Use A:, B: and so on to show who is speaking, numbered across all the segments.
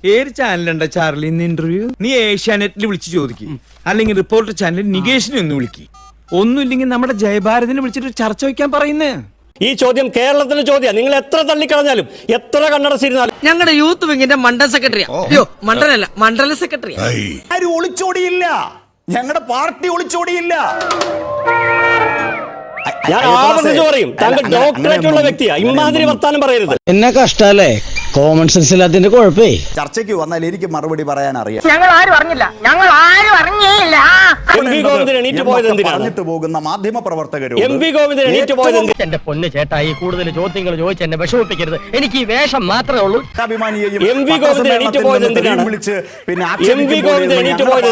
A: ഏത് ചാനലുണ്ട ചാർലി ഇന്ന് ഇന്റർവ്യൂ? നീ ഏഷ്യാനെറ്റിൽ വിളിച്ച് ചോദിക്കും, അല്ലെങ്കിൽ റിപ്പോർട്ടർ ചാനലിൽ നികേഷിനെ ഒന്ന് വിളിക്കും. ഒന്നുമില്ലെങ്കിൽ നമ്മുടെ ജയഭാരതിനെ വിളിച്ചിട്ട് ചർച്ച വയ്ക്കാൻ പറയുന്നേ.
B: ഈ ചോദ്യം കേരളത്തിലെ ചോദ്യം. നിങ്ങൾ എത്ര തള്ളിക്കളഞ്ഞാലും എത്ര കണ്ണടച്ചിരുന്നാലും
C: ഞങ്ങളുടെ യൂത്ത് വിങ്ങിന്റെ മണ്ഡല സെക്രട്ടറിയാ. അയ്യോ മണ്ഡലല്ല, മണ്ഡല സെക്രട്ടറിയാ.
D: ആരും ഒളിച്ചോടിയില്ല, ഞങ്ങളുടെ പാർട്ടി ഒളിച്ചോടിയില്ല.
B: ഞാൻ ആവർത്തിച്ച് പറയും, താങ്കൾ ഡോക്ടറേറ്റ് ഉള്ള വ്യക്തിയാ, ഇമാതിരി വർത്താനം പറയരുത്.
E: എന്നെ കഷ്ടല്ലേ, കോമൺ സെൻസ് ഇല്ലാത്തതിന്റെ കുഴപ്പേ.
D: ചർച്ചയ്ക്ക് വന്നാൽ എനിക്ക് മറുപടി പറയാൻ അറിയാം.
C: ഞങ്ങൾ ആരും അറിഞ്ഞില്ല.
B: എം.വി. ഗോവിന്ദൻ എണീറ്റ് പോയത് എന്തിനാണ്?
D: പറഞ്ഞിട്ട് പോകുന്ന മാധ്യമ പ്രവർത്തകരും
B: എം.വി. ഗോവിന്ദൻ എണീറ്റ് പോയത് എന്തിനാണ്?
F: എന്റെ പൊന്ന് ചേട്ടായി, കൂടുതൽ ചോദ്യങ്ങൾ ചോദിച്ച് എന്നെ വിഷമിപ്പിക്കരുത്. എനിക്ക് ഈ വേഷം മാത്രമേ ഉള്ളൂ.
B: എം.വി. ഗോവിന്ദൻ എണീറ്റ് പോയത് എന്തിനാണ്? എം.വി. ഗോവിന്ദൻ എണീറ്റ് പോയത്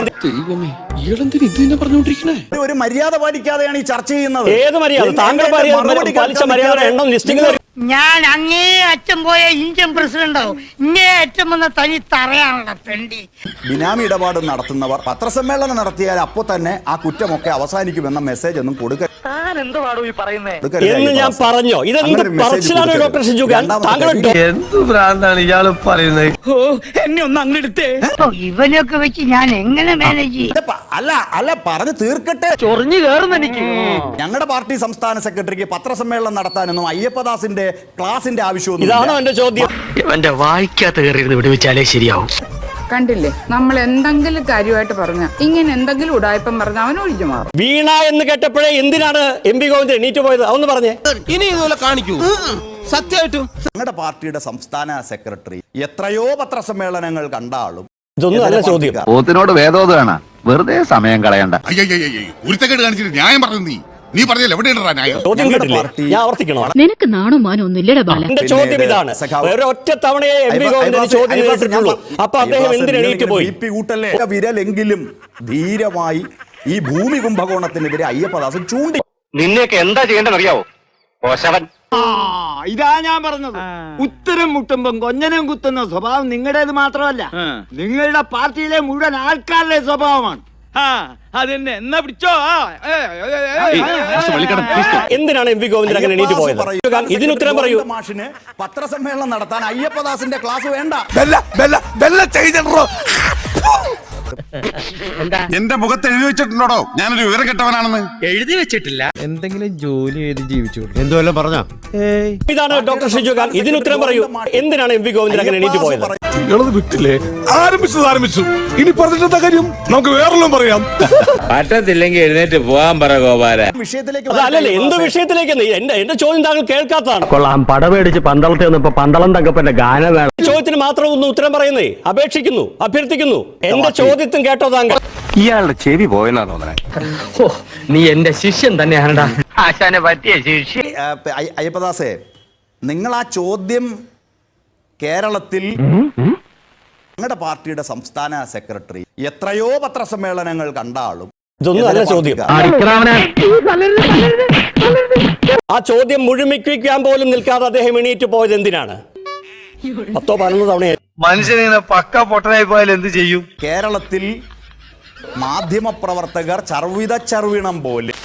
D: ഒരു മര്യാദ പാലിക്കാതെയാണ് ഈ ചർച്ച ചെയ്യുന്നത്.
B: ഏത് മര്യാദ? താങ്കൾ പാലിച്ച മര്യാദ എണ്ണം ലിസ്റ്റിംഗ്.
G: ഞാൻ അങ്ങേ അച്ഛൻ പോയ ഇന്ത്യൻ പ്രസിഡന്റാവും, ഇങ്ങേ അച്ഛൻ വന്ന തനി തറയാണല്ലോ പെണ്ടി.
D: ബിനാമി ഇടപാട് നടത്തുന്നവർ പത്രസമ്മേളനം നടത്തിയാൽ അപ്പോ തന്നെ ആ കുറ്റമൊക്കെ അവസാനിക്കുമെന്ന മെസ്സേജ് ഒന്നും കൊടുക്കരുത്
B: എന്ന് ഞാൻ പറഞ്ഞോ? ഇതെന്ത് പറച്ചിലാണ് ഡോക്ടർ ഷിജുഖാൻ?
E: എന്ത് ഭ്രാന്താണ് ഇയാള് പറയുന്നത്?
A: എന്നെ ഒന്ന് അങ്ങെടുത്തേ.
G: ഇവനൊക്കെ വെച്ച് ഞാൻ എങ്ങനെ മാനേജ് ചെയ്യും?
D: അല്ല പറഞ്ഞു തീർക്കട്ടെ.
F: ചൊറിഞ്ഞു കയറുന്ന എനിക്ക്.
D: ഞങ്ങളുടെ പാർട്ടി സംസ്ഥാന സെക്രട്ടറിക്ക് പത്രസമ്മേളനം നടത്താനൊന്നും അയ്യപ്പദാസിന്റെ ക്ലാസിന്റെ ആവശ്യമൊന്നും.
B: ഇതാണോ എന്റെ ചോദ്യം?
F: എന്റെ വായിക്കാത്ത കയറിയിരുന്ന് വിടുവിച്ചാലേ ശരിയാവും.
H: കണ്ടില്ലേ, നമ്മൾ എന്തെങ്കിലും കാര്യമായിട്ട് പറഞ്ഞ ഇങ്ങനെ എന്തെങ്കിലും ഉടായ്പം പറഞ്ഞ അവൻ ഒഴിഞ്ഞു മാറും.
B: വീണ എന്ന് കേട്ടപ്പോഴേ എന്തിനാണ് എം.വി. ഗോവിന്ദൻ എണീറ്റ് പോയത്? അതൊന്ന് പറഞ്ഞേ.
E: ഇനി ഇതുപോലെ കാണിക്കൂ, സത്യമായിട്ടും.
D: ഞങ്ങളുടെ പാർട്ടിയുടെ സംസ്ഥാന സെക്രട്ടറി എത്രയോ പത്രസമ്മേളനങ്ങൾ കണ്ട ആളും.
B: ഇതൊന്നും അല്ല ചോദ്യം.
I: പോത്തിനോട് വേദോദാണ്, വെറുതെ സമയം കളയണ്ട.
J: ഉരുത്തക്കേട് കാണിച്ചിട്ട് ന്യായം പറഞ്ഞു. നീ പറഞ്ഞല്ലോ എവിടെയാണ് ന്യായം?
B: ചോദ്യം കേട്ടില്ലേ? ഞാൻ ആവർത്തിക്കണോ?
K: നിനക്ക് നാണോ മാനോ ഒന്നുമില്ലടാ ബാല.
B: എന്റെ ചോദ്യം ഇതാണ്. ഒരൊറ്റ തവണയെ എം.വി. ഗോവിന്ദൻ ചോദ്യം കേട്ടിട്ടുള്ളൂ. അപ്പൊ അദ്ദേഹം എന്തിന് എണീറ്റ് പോയി?
D: വിരലെങ്കിലും ധീരമായി ഈ ഭൂമി കുംഭകോണത്തിനെതിരെ അയ്യപ്പദാസൻ ചൂണ്ടി.
F: നിന്നെയൊക്കെ എന്താ ചെയ്യേണ്ടത് അറിയാവോ? കോശവൻ.
C: ഇതാ ഞാൻ പറഞ്ഞത്. ഉത്തരം മുട്ടുമ്പം കൊഞ്ഞനം കുത്തുന്ന സ്വഭാവം നിങ്ങളുടേത് മാത്രമല്ല, നിങ്ങളുടെ പാർട്ടിയിലെ മുഴുവൻ ആൾക്കാരുടെ സ്വഭാവമാണ്.
A: അതെന്നെ എന്നാ പിടിച്ചോ.
B: എന്തിനാണ് എം.വി. ഗോവിന്ദൻ അങ്ങനെ എണീറ്റ് പോയത്? ഇതിന് ഉത്തരം പറയൂ.
D: മാഷിന് പത്രസമ്മേളനം നടത്താൻ അയ്യപ്പദാസിന്റെ ക്ലാസ് വേണ്ട.
J: എന്റെ മുഖത്ത് എഴുതി വെച്ചിട്ടുണ്ടോ ഞാനൊരു വിവരം കെട്ടവനാണെന്ന്?
F: എഴുതി വെച്ചിട്ടില്ല.
A: എന്തെങ്കിലും ജോലി ചെയ്ത് ജീവിച്ചു.
E: എന്തുവല്ലോ പറഞ്ഞ
B: ഇതാണ് ഡോക്ടർ ഷിജുഖാൻ. ഇതിന് ഉത്തരം പറയൂ. എന്തിനാണ് എം.വി. ഗോവിന്ദൻ അങ്ങനെ എണീറ്റ് പോയത്?
J: വിട്ടില്ലേ? ആരംഭിച്ചു. ഇനി പറഞ്ഞിട്ടെന്താ കാര്യം? നമുക്ക് വേറെല്ലാം പറയാം.
E: പറ്റത്തില്ലെങ്കിൽ എഴുന്നേറ്റ് പോകാൻ പറ ഗോപാല.
B: അതല്ലല്ലേ, എന്ത് വിഷയത്തിലേക്ക്? എന്റെ ചോദ്യം താങ്കൾ കേൾക്കാത്തതാണ്.
F: കൊള്ളാം, പടമേടിച്ച് പന്തളത്തെ വന്നപ്പോ പന്തളം തങ്കപ്പന്റെ ഗാനം വേണം.
B: ചോദ്യത്തിന് മാത്രം ഒന്ന് ഉത്തരം പറയുന്നേ. അപേക്ഷിക്കുന്നു, അഭ്യർത്ഥിക്കുന്നു. എന്റെ ചോദ്യത്തും കേട്ടോ താങ്കൾ?
I: ഇയാളുടെ ചെവി പോയെന്നാ തോന്നണേ.
F: ഓ, നീ എന്റെ ശിഷ്യൻ തന്നെയാണടാ. ആശാനെ പറ്റിയ ശിഷ്യൻ.
D: അയ്യപ്പദാസേ, നിങ്ങൾ ആ ചോദ്യം കേരളത്തിൽ ഞങ്ങളുടെ പാർട്ടിയുടെ സംസ്ഥാന സെക്രട്ടറി എത്രയോ പത്രസമ്മേളനങ്ങൾ കണ്ട ആളും.
B: ഇതൊന്നും അല്ല ചോദ്യം. ആ ചോദ്യം മുഴുമിക്കാൻ പോലും നിൽക്കാതെ അദ്ദേഹം എണീറ്റ് പോയത് എന്തിനാണ്? 10-11 തവണ
E: മനുഷ്യനിങ്ങനെ പക്ക പൊട്ടനായി പോയാൽ എന്ത് ചെയ്യും?
D: കേരളത്തിൽ മാധ്യമ പ്രവർത്തകർ ചർവിണം പോലെ.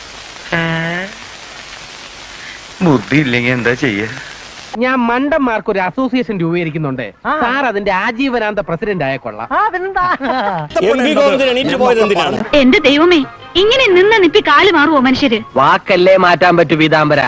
E: ബുദ്ധി ഇല്ലെങ്കിൽ എന്താ ചെയ്യ?
F: ഞാൻ മണ്ടന്മാർക്ക് ഒരു അസോസിയേഷൻ രൂപീകരിക്കുന്നുണ്ട്. സാർ അതിന്റെ ആജീവനാന്ത പ്രസിഡന്റ് ആയ കൊള്ളാം.
B: എം.വി. ഗോവിന്ദൻ എണീറ്റ് പോയത് എന്തിനാണ്?
K: എന്റെ ദൈവമേ, ഇങ്ങനെ നിന്ന് നിപ്പി കാല് മാറുവോ മനുഷ്യര്?
F: വാക്കല്ലേ മാറ്റാൻ പറ്റൂ പീതാംബര.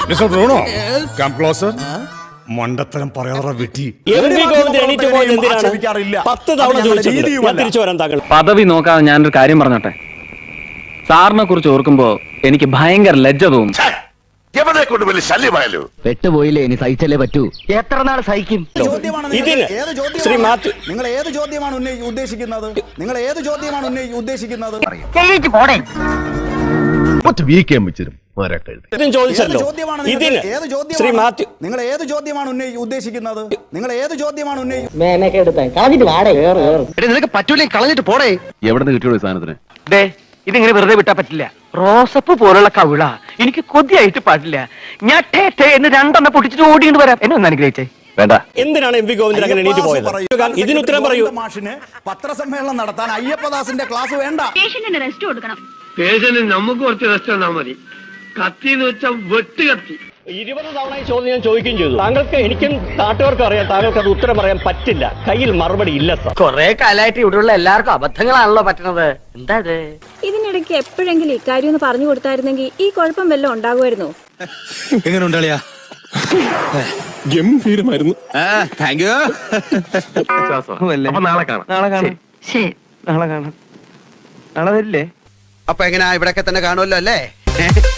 J: മണ്ടത്തരം പറയാറ വെട്ടി.
B: എം.വി. ഗോവിന്ദൻ എണീറ്റ് പോയത് എന്തിനാണ്? 10 തവണ ചോദിച്ചിട്ടുണ്ട്. ഞാൻ തിരിച്ചു വരാൻ താങ്കൾ.
I: പദവി നോക്കാതെ ഞാനൊരു കാര്യം പറഞ്ഞോട്ടെ. സാറിനെ കുറിച്ച് ഓർക്കുമ്പോ എനിക്ക് ഭയങ്കര ലജ്ജ തോന്നും.
J: എവിടെ കൊണ്ട് വലിയ ശല്യമായല്ലോ.
E: പെട്ടുപോയില്ലേ, ഇനി സഹിച്ചല്ലേ പറ്റൂ.
F: എത്ര നാൾ സഹിക്കും?
B: ഇതിന് ശ്രീ മാത്യു,
D: നിങ്ങൾ ഏത് ചോദ്യമാണ് ഉദ്ദേശിക്കുന്നത്?
B: ചോദിച്ചല്ലോ. ഇതിന് ശ്രീ മാത്യു,
D: നിങ്ങൾ ഏത് ചോദ്യമാണ് ഉദ്ദേശിക്കുന്നത്?
F: നിനക്ക് പറ്റൂലേ, കളഞ്ഞിട്ട് പോടേ.
I: എവിടെ നിന്ന് കിട്ടിയോ സാധനത്തിന്?
F: ഇതിങ്ങനെ വെറുതെ വിട്ടാ പറ്റില്ല. റോസപ്പ് പോലുള്ള കവിള എനിക്ക് കൊതിയായിട്ട് പാടില്ല. ഞാൻ എന്ന് 2 പൊട്ടിച്ചിട്ട് ഓടിയിട്ട് വരാം. എന്നെ ഒന്ന് അനുഗ്രഹിച്ചേ.
I: വേണ്ട.
B: എന്തിനാണ് എം.വി. ഗോവിന്ദൻ അങ്ങനെ എണീറ്റ് പോയത്? ഇതിന് ഉത്തരം പറയൂ.
D: മാഷിന് പത്രസമ്മേളനം നടത്താൻ അയ്യപ്പദാസിന്റെ ക്ലാസ് വേണ്ട.
K: റെസ്റ്റ് കൊടുക്കണം.
F: പേഷ്യന് നമുക്ക് കുറച്ച് റെസ്റ്റ് തന്നാ മതി. കത്തി എന്ന് വെച്ചാൽ വെട്ട് കത്തി.
B: 20 തവണ ഈ ചോദ്യം ഞാൻ ചോദിക്കുകയും ചെയ്തു. താങ്കൾക്ക്, എനിക്കും നാട്ടുകാർക്കും അറിയാം, താങ്കൾക്ക് അത് ഉത്തരം പറയാൻ പറ്റില്ല. കയ്യിൽ മറുപടി ഇല്ല സാർ.
F: കൊറേ കാലമായിട്ട് ഇവിടെയുള്ള എല്ലാവർക്കും അബദ്ധങ്ങളാണല്ലോ പറ്റുന്നത്. എന്താ ഇത്?
K: ഇതിനിടയ്ക്ക് എപ്പോഴെങ്കിലും ഇക്കാര്യം ഒന്ന് പറഞ്ഞു കൊടുത്തായിരുന്നെങ്കിൽ ഈ കുഴപ്പം വല്ലതും ഉണ്ടാകുമായിരുന്നു.
J: എങ്ങനെ ഉണ്ടാളിയാ? ഗംഭീരമായിരുന്നു.
E: Thank you.
I: അപ്പൊ നാളെ കാണാം.
F: ശരി, നാളെ കാണാം. നാളെ വരില്ലേ?
E: അപ്പൊ എങ്ങനെയാ, ഇവിടൊക്കെ തന്നെ കാണുമല്ലോ അല്ലേ?